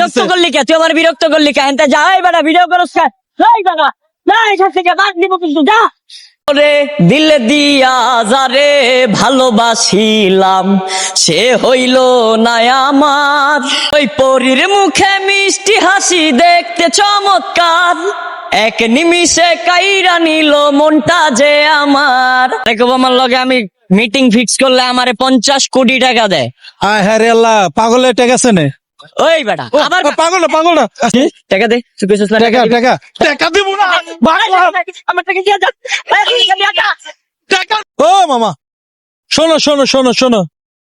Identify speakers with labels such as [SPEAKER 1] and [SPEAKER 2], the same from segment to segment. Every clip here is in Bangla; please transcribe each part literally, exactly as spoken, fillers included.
[SPEAKER 1] বিরক্ত করলি কে? তুই আমার বিরক্ত করলি কে? এনতে যা, এই বেটা ভিডিও করছ কে? এই বেটা, না এখান থেকে বাদ দিব কিন্তু, যা। ওরে দিল দিয়া যারে ভালোবাসিলাম, সে হইল না আমার। ওই পরীর মুখে মিষ্টি হাসি দেখতে চমৎকার, এক নিমিষে কাইরা নিল মনটা যে আমার। আমার লগে আমি মিটিং ফিক্স করলে আমারে পঞ্চাশ কোটি টাকা দেয়।
[SPEAKER 2] আয় হ্যাঁ রে আল্লাহ, পাগলের টাকা আছে নে।
[SPEAKER 1] ওই বেটা আবার
[SPEAKER 2] পাগল না পাগল না
[SPEAKER 1] টাকা দে, তুই কইছিস না
[SPEAKER 2] টাকা টাকা টাকা দিব না।
[SPEAKER 1] আমার টাকা দিয়ে যা,
[SPEAKER 2] টাকা ও মামা, শোনো শোনো শোনো শোনো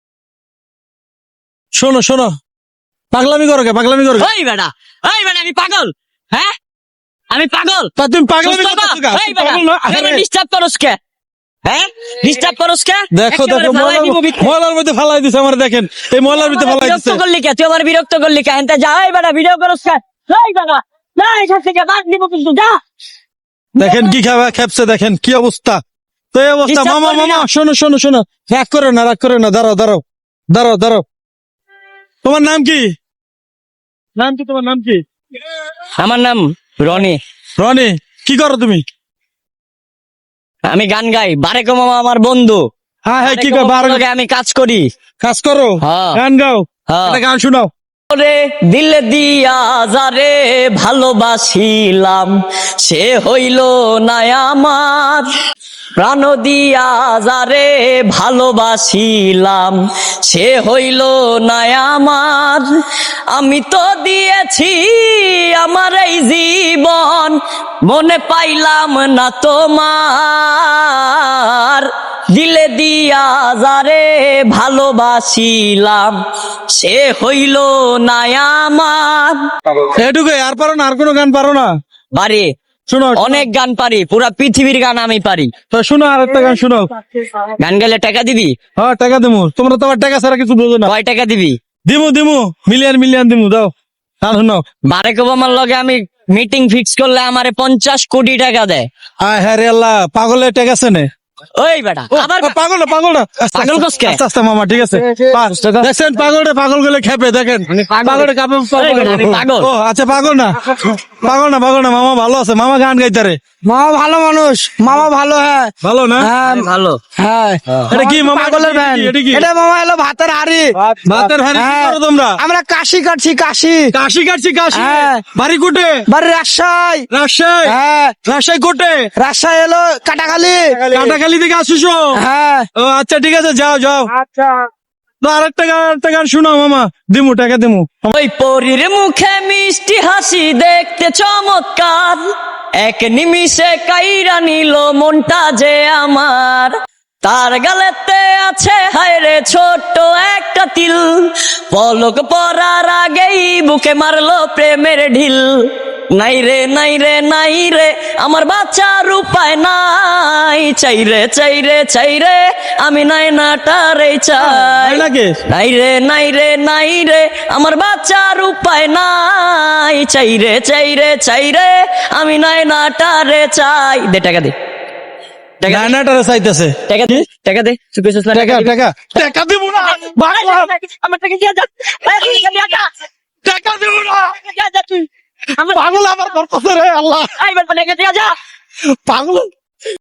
[SPEAKER 2] শোনো শোনো পাগলামি করো কে? পাগলামি করো কে?
[SPEAKER 1] ওই বেটা, ওই বেটা আমি পাগল? হ্যাঁ আমি পাগল?
[SPEAKER 2] তা তুমি পাগলামি
[SPEAKER 1] সুস্থ
[SPEAKER 2] করছো
[SPEAKER 1] না?
[SPEAKER 2] কে?
[SPEAKER 1] এই বেটা,
[SPEAKER 2] পাগল না? আরে
[SPEAKER 1] তুই ডিস্টার্ব করস কে? হ্যাঁ ডিস্টার্ব করস কে?
[SPEAKER 2] দেখো
[SPEAKER 1] একেবারে
[SPEAKER 2] দেখো
[SPEAKER 1] ফালাই দিব ভিতরে।
[SPEAKER 2] ময়লার মধ্যে ফালাই দিছে আমার, দেখেন এই ময়লার মধ্যে ফালাই
[SPEAKER 1] বিরক্ত
[SPEAKER 2] দিছে।
[SPEAKER 1] করলি কে? তুই আমার বিরক্ত করলি কে? এনতে যা, এই বেটা ভিডিও করস কে? এই বেটা, না এখান থেকে বাদ দিব কিন্তু, যা।
[SPEAKER 2] দেখেন কি খাবা খেপছে, দেখেন কি অবস্থা। তো এই অবস্থা।
[SPEAKER 1] Disturb
[SPEAKER 2] মামা
[SPEAKER 1] করবি
[SPEAKER 2] মামা
[SPEAKER 1] না।
[SPEAKER 2] শোনো শোনো শোনো, রাগ করে না রাগ করে না, দাঁড়াও দাঁড়াও দাঁড়াও দাঁড়াও। তোমার নাম কি? নাম কি তোমার নাম কি?
[SPEAKER 1] আমার নাম রনি।
[SPEAKER 2] রনি, কি করো তুমি?
[SPEAKER 1] আমি গান গাই। বারেক মামা আমার বন্ধু।
[SPEAKER 2] হ্যাঁ হ্যাঁ, কি
[SPEAKER 1] বারেক
[SPEAKER 2] করো?
[SPEAKER 1] মামার
[SPEAKER 2] বার-
[SPEAKER 1] লগে আমি কাজ করি।
[SPEAKER 2] কাজ করো,
[SPEAKER 1] হ্যাঁ।
[SPEAKER 2] গান গাও,
[SPEAKER 1] হ্যাঁ।
[SPEAKER 2] একটা গান শোনাও।
[SPEAKER 1] ওরে দিল দিয়া যারে ভালোবাসিলাম, সে হইল না আমার। প্রাণ দিয়া যারে ভালোবাসিলাম, সে হইল না আমার। আমি তো দিয়েছি আমার এই জীবন, মনে পাইলাম না তোমার। দিলে দিয়া যারে ভালোবাসিলাম, সে হইল না আমার।
[SPEAKER 2] এটুকুই, আর পারো না? আর কোনো গান পারো না?
[SPEAKER 1] বাড়ি
[SPEAKER 2] শোনো
[SPEAKER 1] অনেক গান পারি, পুরা পৃথিবীর গান আমি পারি।
[SPEAKER 2] তো শোনো, আর একটা গান শোনাও।
[SPEAKER 1] গান গেলে টাকা দিবি?
[SPEAKER 2] হ্যাঁ টাকা দিমু, তোমরা তো আবার টাকা ছাড়া কিছু বোঝো না।
[SPEAKER 1] কয় টাকা দিবি?
[SPEAKER 2] দিমু দিমু, মিলিয়ন মিলিয়ন দিমু, দাও গান শোনাও।
[SPEAKER 1] বারেক ওবামার লগে আমি মিটিং ফিক্স করলে আমারে পঞ্চাশ কোটি টাকা দেয়।
[SPEAKER 2] আয় হ্যাঁ রে আল্লাহ, পাগলের টাকা আছে নে।
[SPEAKER 1] ওই বেটা আবার
[SPEAKER 2] পাগল না পাগল না আস্তে
[SPEAKER 1] পাগল
[SPEAKER 2] আস্তে,
[SPEAKER 1] কস কে?
[SPEAKER 2] আস্তে আস্তে মামা, ঠিক আছে। পাঁচ টাকা। দেখছেন পাগলটা পাগল গেলে খেপে, দেখেন
[SPEAKER 1] পাগল।
[SPEAKER 2] পাগলটা কাপে।
[SPEAKER 1] এই বেটা, আমি পাগল।
[SPEAKER 2] ও আচ্ছা, পাগল না পাগল না পাগল না, মামা ভালো আছে, মামা গান গাইতারে।
[SPEAKER 3] মামা ভালো মানুষ, মামা ভালো। হ্যাঁ
[SPEAKER 2] ভালো না?
[SPEAKER 3] হ্যাঁ
[SPEAKER 1] আমি ভালো।
[SPEAKER 3] হ্যাঁ
[SPEAKER 2] এটা কি মামা?
[SPEAKER 3] পাগলের
[SPEAKER 2] এটা
[SPEAKER 3] ভ্যান।
[SPEAKER 2] কি? এটা কি?
[SPEAKER 3] এটা মামা এলো ভাতের হাড়ি।
[SPEAKER 2] ভাতের হাড়ি কি
[SPEAKER 3] হ্যাঁ।
[SPEAKER 2] করো তোমরা?
[SPEAKER 3] আমরা কাশি কাটছি, কাশি।
[SPEAKER 2] কাশি কাটছি কাশি।
[SPEAKER 3] হ্যাঁ।
[SPEAKER 2] বাড়ি কোটে?
[SPEAKER 3] বাড়ি রাজশাহী।
[SPEAKER 2] রাজশাহী।
[SPEAKER 3] হ্যাঁ
[SPEAKER 2] রাজশাহী কোটে?
[SPEAKER 3] রাজশাহী এলো কাটাখালি।
[SPEAKER 2] কাটাখালি থেকে আসিস?
[SPEAKER 3] হ্যাঁ
[SPEAKER 2] ও আচ্ছা ঠিক আছে, যাও যাও।
[SPEAKER 3] আচ্ছা
[SPEAKER 2] তো আরেকটা গান, আরেকটা গান শোনাও মামা, দিমু টাকা দিমু।
[SPEAKER 1] ওই পরীর মুখে মিষ্টি হাসি দেখতে চমৎকার, এক নিমিষে কাইরা নিল মনটা যে আমার। তার গালেতে আছে হায়রে ছোট্ট একটা তিল, পলক পরার আগেই বুকে মারলো প্রেমের ঢিল। নাই রে নাই রে নাই রে আমার বাচ্চার উপায় নাই, চাইরে চাইরে চাইরে আমি নাই নাটারে চাই।
[SPEAKER 2] নাকি?
[SPEAKER 1] নাই রে নাই রে নাই রে আমার বাচ্চার উপায় নাই, চাইরে চাইরে চাইরে আমি নাই নাটারে চাই। দে টাকা দে, টাকা দে,
[SPEAKER 2] গানাটারে চাইতেছে।
[SPEAKER 1] টাকা দে, টাকা দে, তুই কইছিস না
[SPEAKER 2] টাকা
[SPEAKER 1] টাকা দিবি?
[SPEAKER 2] টাকা টাকা দিমু না।
[SPEAKER 1] আমার টাকা দিয়ে যা,
[SPEAKER 2] টাকা দিমু না।
[SPEAKER 1] যা যা তুই আমার
[SPEAKER 2] পাগল আমার করতেছে রে আল্লাহ,
[SPEAKER 1] আইবার টাকা দিয়ে যা।
[SPEAKER 2] পাগল।